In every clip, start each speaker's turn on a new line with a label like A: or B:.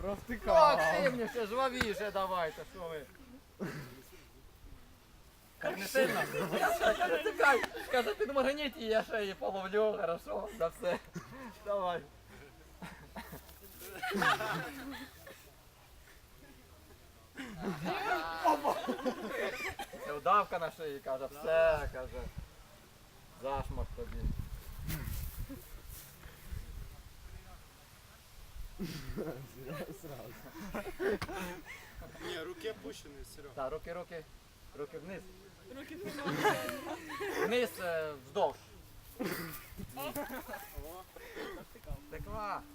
A: Провтикав.
B: Активніше, жвавіше давайте, що ви. Так не сильно? Каже, тікай. Каже, ти моргніть і я ще її половлю, хорошо, за все. Давай. Це удавка на шиї, каже, все, каже. Зашмах тобі.
A: Сразу.
C: Не, руки опущены, Серега.
B: Так, руки вниз. Вниз, вздовж. Текла.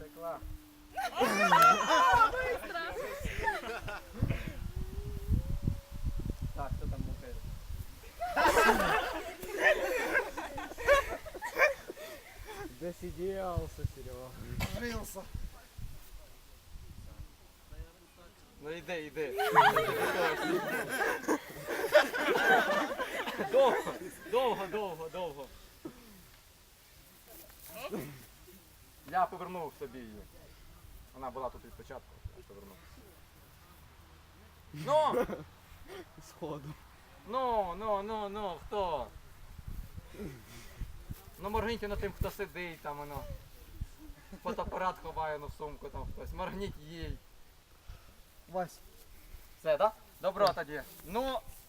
B: Так, хто там мукає?
A: Досиделся, Серега.
C: Жился.
B: Ну йди. Довго. Я повернув собі її. Вона була тут від початку, я повернув.
A: Сходу.
B: Ну, хто? Ну моргніть на тим, хто сидить там, воно. Фотоапарат ховає в сумку там хтось. Моргніть їй.
A: Вась.
B: Все, так? Да? Добро тоді. Ну,